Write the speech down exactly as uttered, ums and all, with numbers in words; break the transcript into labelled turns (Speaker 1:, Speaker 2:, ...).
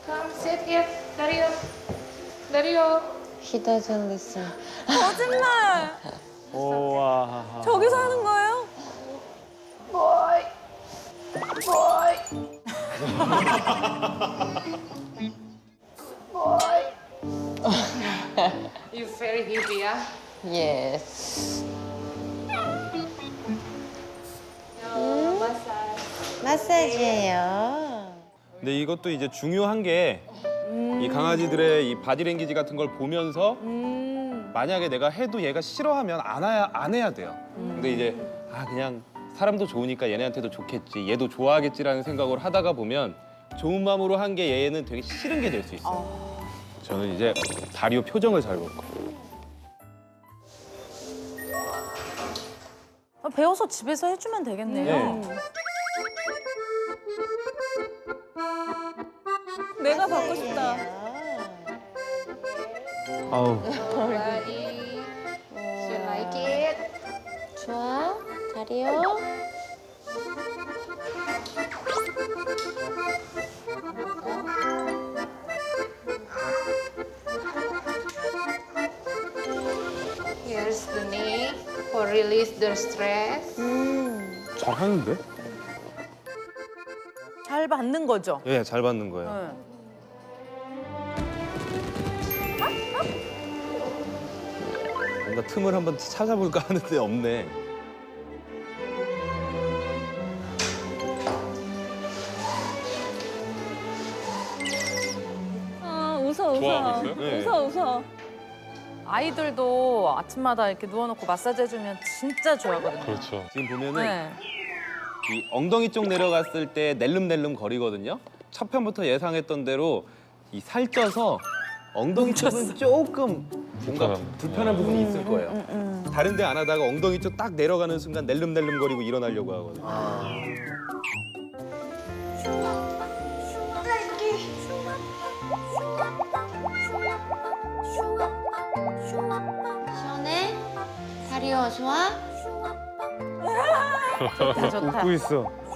Speaker 1: Come sit here. Dario. Dario.
Speaker 2: He doesn't listen.
Speaker 3: 거짓말.
Speaker 4: 우와.
Speaker 3: 저기서 하는 거예요?
Speaker 1: Boy. Boy. Boy. You very happy, yeah?
Speaker 2: Yes.
Speaker 1: No, massage.
Speaker 2: 마사지예요.
Speaker 4: 근데 이것도 이제 중요한 게 이 강아지들의 이 바디랭귀지 같은 걸 보면서 만약에 내가 해도 얘가 싫어하면 안 해야, 안 해야 돼요. 근데 이제 아 그냥 사람도 좋으니까 얘네한테도 좋겠지, 얘도 좋아하겠지라는 생각으로 하다가 보면 좋은 마음으로 한 게 얘는 되게 싫은 게 될 수 있어요. 저는 이제 다리오 표정을 잘 볼 거예요.
Speaker 3: 아, 배워서 집에서 해주면 되겠네요.
Speaker 4: 네.
Speaker 3: 내가 받고 싶다.
Speaker 4: 아우.
Speaker 1: Body. You like it?
Speaker 2: 좋아, 다리요.
Speaker 1: Here's the knee for release the stress.
Speaker 4: 잘하는데?
Speaker 3: 잘 받는 거죠?
Speaker 4: 예, 잘 받는 거예요.
Speaker 3: 네.
Speaker 4: 뭔가 틈을 한번 찾아볼까 하는데 없네.
Speaker 3: 아, 웃어, 웃어.
Speaker 4: 좋아하고 있어요? 네.
Speaker 3: 웃어, 웃어. 아이들도 아침마다 이렇게 누워놓고 마사지 해주면 진짜 좋아하거든요.
Speaker 4: 그렇죠. 지금 보면은
Speaker 3: 네.
Speaker 4: 이 엉덩이 쪽 내려갔을 때 낼름낼름 거리거든요. 첫 편부터 예상했던 대로 이 살쪄서 엉덩이 쪽은 조금 뭔가
Speaker 5: 불편한.
Speaker 4: 불편한 부분이 있을 거예요. 다른 데 안 하다가 엉덩이 쪽 딱 내려가는 순간 낼름낼름 거리고 일어나려고 하거든요.
Speaker 2: 시원해? 다리요, 좋아?
Speaker 3: 좋다, 좋다.
Speaker 5: 웃고 있어.